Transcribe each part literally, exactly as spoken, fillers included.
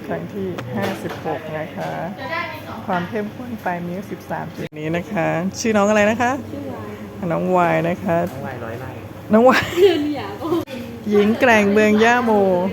ครั้งที่ห้าสิบหกนะคะความเข้มข้นปลายมิ้วสิบสามจุดนี้นะคะ ชื่อน้องอะไรนะคะน้องวายนะคะน้องวายร้อยไร่น้องวายหญิงแกร่งเมืองย่าโม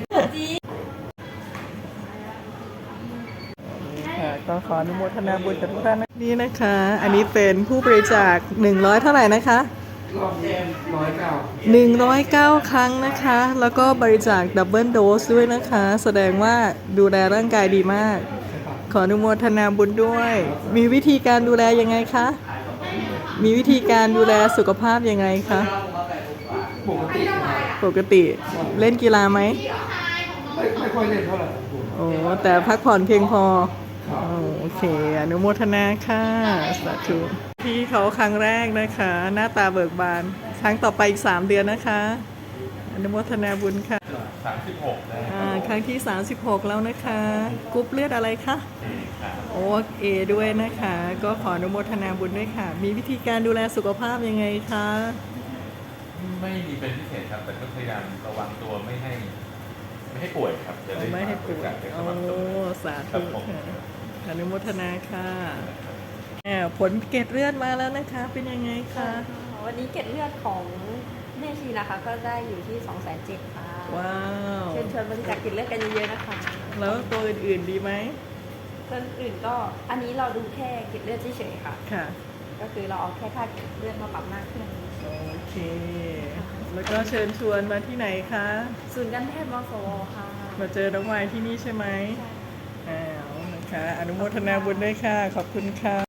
ก็ขออนุโมทนาบุญกับทุกท่านนี่นะคะ อันนี้เป็นผู้บริจาคหนึ่งร้อยเท่าไหร่นะคะรอบแรกร้อยเก้าหนึ่งร้อยเก้าครั้งนะคะ แล้วก็บริจาคดับเบิลโดสด้วยนะคะ แสดงว่าดูแลร่างกายดีมาก ขออนุโมทนาบุญด้วย มีวิธีการดูแลยังไงคะ มีวิธีการดูแลสุขภาพยังไงคะปกติปกติเล่นกีฬาไหมไม่ไม่ค่อยเล่นเท่าไหร่โอ้แต่พักผ่อนเพียงพอโอเคอนุโมทนาค่ะสาธุพี่เขาครั้งแรกนะคะ หน้าตาเบิกบานครั้งต่อไปอีกสามเดือนนะคะอนุโมทนาบุญค่ะสามสิบหกนะครั้งที่สามสิบหกแล้วนะคะกรุ๊ปเลือดอะไรคะโอเอด้วยนะคะ ก็ขออนุโมทนาบุญด้วยค่ะ มีวิธีการดูแลสุขภาพยังไงคะไม่มีเป็นพิเศษครับแต่ก็พยายามระวังตัวไม่ให้ไม่ให้ป่วยครับจะได้ไม่ให้ป่วยโอ้สาธุค่ะอนุโมทนาค่ะผลเกล็ดเลือดมาแล้วนะคะเป็นยังไงคะวันนี้เกล็ดเลือดของแม่ชีนะคะก็ได้อยู่ที่สองแสนเจ็ดค่ะว้าวเชิญชวนบริจาคเกล็ดเลือดกันเยอะๆนะคะแล้วตัวอื่นๆดีไหมตัวอื่นก็อันนี้เราดูแค่เกล็ดเลือดเฉยๆค่ะค่ะก็คือเราเอาแค่ค่าเกล็ดเลือดมาปรับหน้าเครื่องโอเคแล้วก็เชิญชวนมาที่ไหนคะศูนย์การแพทย์มสวค่ะมาเจอน้องวายที่นี่ใช่ไหมอ้าวนะคะอนุโมทนาบุญด้วยค่ะขอบคุณค่ะ